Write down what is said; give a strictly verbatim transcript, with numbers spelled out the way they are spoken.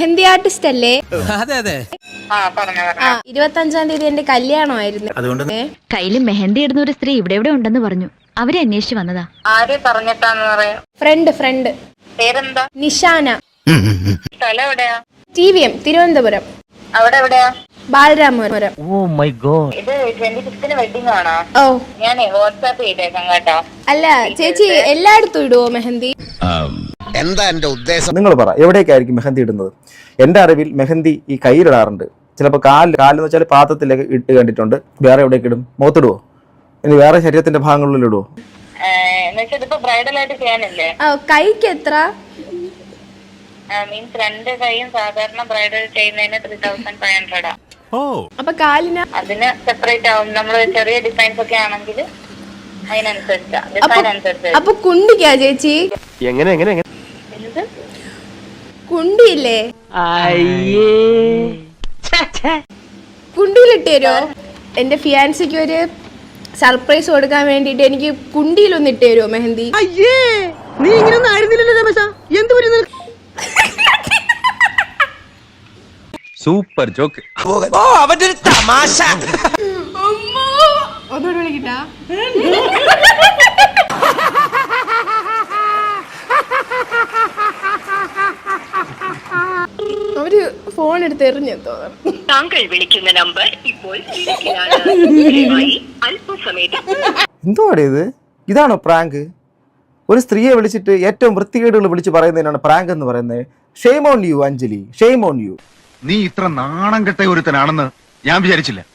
Mehndi artist അല്ലേ? അതെ അതെ. ഇരുപത്തി അഞ്ചാം തീയതി എന്റെ കല്യാണമായിരുന്നു. അതുകൊണ്ട് കയ്യില് മെഹന്തി ഇടുന്ന ഒരു സ്ത്രീ ഇവിടെ ഇവിടെ ഉണ്ടെന്ന് പറഞ്ഞു. അവരെ അന്വേഷിച്ചു വന്നതാ. ആരെ പറഞ്ഞിട്ടാന്ന് പറയാ? ഫ്രണ്ട് ഫ്രണ്ട് പേരെന്താ? നിഷാന. സ്ഥലം എവിടെയാ? T V M Thiruvananthapuram. അവിടെ എവിടെയാ? ബാലരാമപുരം. ഇത് ട്വന്റി ഫിഫ്തിന് വെഡിങ് ആണോ? ഓ ഞാനേ വാട്സാപ്പ് ചെയ്തേക്കാം കേട്ടോ. അല്ല ചേച്ചി എല്ലായിടത്തും ഇടുവോ മെഹന്തി? എന്താ എന്റെ ഉദ്ദേശം? നിങ്ങൾ പറ, എവിടേക്കായിരിക്കും മെഹന്തി ഇടുന്നത്? എൻ്റെ അറിവിൽ മെഹന്തി ഈ കയ്യിലിടാറുണ്ട്, ചിലപ്പോൾ കാലിൽ കാലെന്ന് വെച്ചാൽ പാത്രത്തിലേക്ക് ഇട്ട് കണ്ടിട്ടുണ്ട്. വേറെ എവിടേക്ക് ഇടും? മുഖത്തിടുവോ? ഇനി വേറെ ശരീരത്തിന്റെ ഭാഗങ്ങളിൽ ഇടുവോ? ബ്രൈഡൽ ആയിട്ട് ചെയ്യാനല്ലേ? കൈക്ക് എത്ര? മീൻസ് രണ്ട് കൈയും സാധാരണ ബ്രൈഡൽ ചെയ്യുന്നതിന് ത്രീ തൗസൻഡ് ഫൈവ് ഹൺഡ്രഡാ. അപ്പൊ കാലിന് അതിന് സെപ്പറേറ്റ് ആവും. നമ്മള് ചെറിയ ഡിസൈൻസ് ഒക്കെ ആണെങ്കിൽ അതിനനുസരിച്ചാ ഡിസൈൻ അനുസരിച്ച്. അപ്പൊ കുണ്ടിക്കാ ചേച്ചി? എങ്ങനെ എങ്ങനെ എങ്ങനെ എന്ത് കുണ്ടിയില്ലേ? കുണ്ടിയിലിട്ട് തരുമോ? എന്റെ ഫിയാൻസിക്ക് ഒരു സർപ്രൈസ് കൊടുക്കാൻ വേണ്ടിട്ട് എനിക്ക് കുണ്ടിയിലൊന്ന് ഇട്ട് തരുമോ മെഹന്തി? നീ ഇങ്ങനൊന്നും ആയിരുന്നില്ലല്ലോ രമേശ. എന്ത് പറ്റുന്നു? Super joke. ഓ അവന്റെ ഒരു തമാശ. ഒന്നുകൂടെ വിളിക്കട്ടാ? അവര് ഫോൺ എടുത്ത് എറിഞ്ഞു തോന്നുന്നു. താങ്കൾ വിളിക്കുന്ന നമ്പർ ഇപ്പോൾ എന്തുവാടേ ഇത്? ഇതാണോ പ്രാങ്ക്? ഒരു സ്ത്രീയെ വിളിച്ചിട്ട് ഏറ്റവും വൃത്തികേടുകൾ വിളിച്ച് പറയുന്നതിനാണ് പ്രാങ്ക് എന്ന് പറയുന്നത്. Shame on you Anjali, shame on you. നീ ഇത്ര നാണം കെട്ട ഒരുത്തനാണെന്ന് ഞാൻ വിചാരിച്ചില്ല.